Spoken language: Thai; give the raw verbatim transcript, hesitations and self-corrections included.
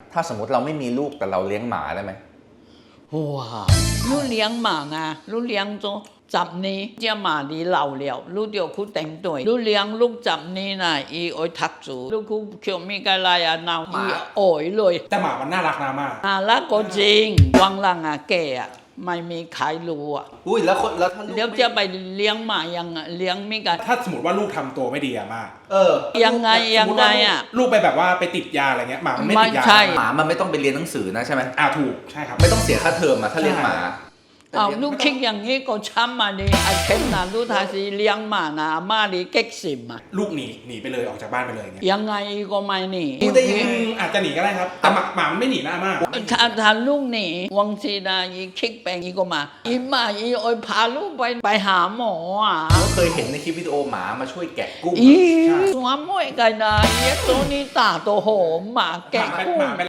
ถ้าสมมติเราไม่มีลูกแต่เราเลี้ยงหมาได้ไหม哇！你养马啊，你养咗十年，只马你老了，你就去顶队。你养六十年啦，伊爱读书，你去叫咩个来啊？闹伊爱เลยแต่หมามันน่ารักนะมากน่ารักก็จริงวังหลังอ่ะแกอ่ะไม่มีใครรู้อ่ะอุ้ยแล้วคนแล้วถ้าลูกเดี๋ยวจะไปเลี้ยงหมายังอ่ะเลี้ยงไม่กันถ้าสมมติว่าลูกทำตัวไม่ดีอะมากเออยังไงยังไงอ่ะลูกไปแบบว่าไปติดยาอะไรเงี้ยหมามันไม่ติดยาไม่ใช่หมามันไม่ต้องไปเรียนหนังสือนะใช่ไหมอ่าถูกใช่ครับไม่ต้องเสียค่าเทอมอะถ้าเลี้ยงหมาอ้าวลูกคิดอย่างนี้ก็ช้ำมาดิไอ้เข็มนะลูกทาสีเลี้ยงหมานะมาดิเก๊กซิมอ่ะลูกหนีหนีไปเลยออกจากบ้านไปเลยเงี้ยยังไงก็ไม่หนีอืมอาจจะหนีก็ได้ครับแต่หมาหมามันไม่หนีนะมากถ้าถ้าลูกหนีวังสีนะอีคิกแปลงอีก็มาอีมาอีโอยพาลูกไปไปหาหมออ่ะก็เคยเห็นในคลิปวิดีโอหมามาช่วยแกะกุ้งอีสวมมวยกันนะอีตัวนี้ตาตัวโหมหมาแกะหมาไปกุ้หงมาไป